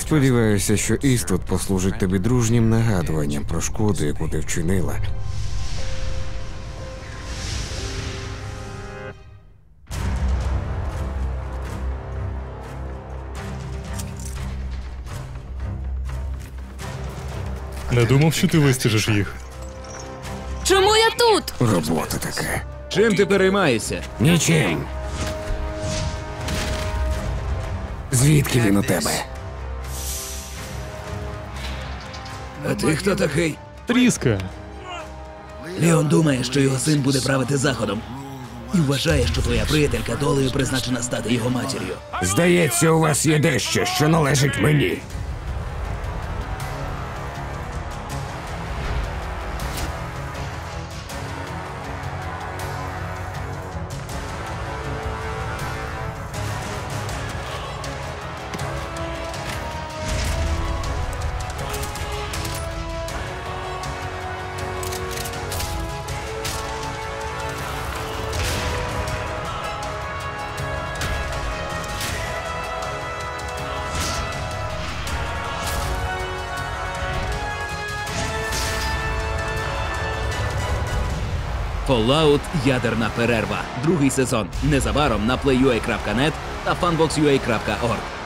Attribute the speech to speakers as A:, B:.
A: Сподіваюся, що Іствуд послужить тобі дружнім нагадуванням про шкоду, яку ти вчинила.
B: Не думав, що ти вистежиш їх.
C: Чому я тут?
A: Робота така.
D: Чим ти переймаєшся?
A: Нічим. Звідки він у тебе?
D: А ти хто такий?
B: Тріска.
D: Леон думає, що його син буде правити заходом. І вважає, що твоя приятелька долею призначена стати його матір'ю.
A: Здається, у вас є дещо, що належить мені.
D: Fallout Ядерна перерва. Другий сезон. Незабаром на playua.net та fanboxua.org.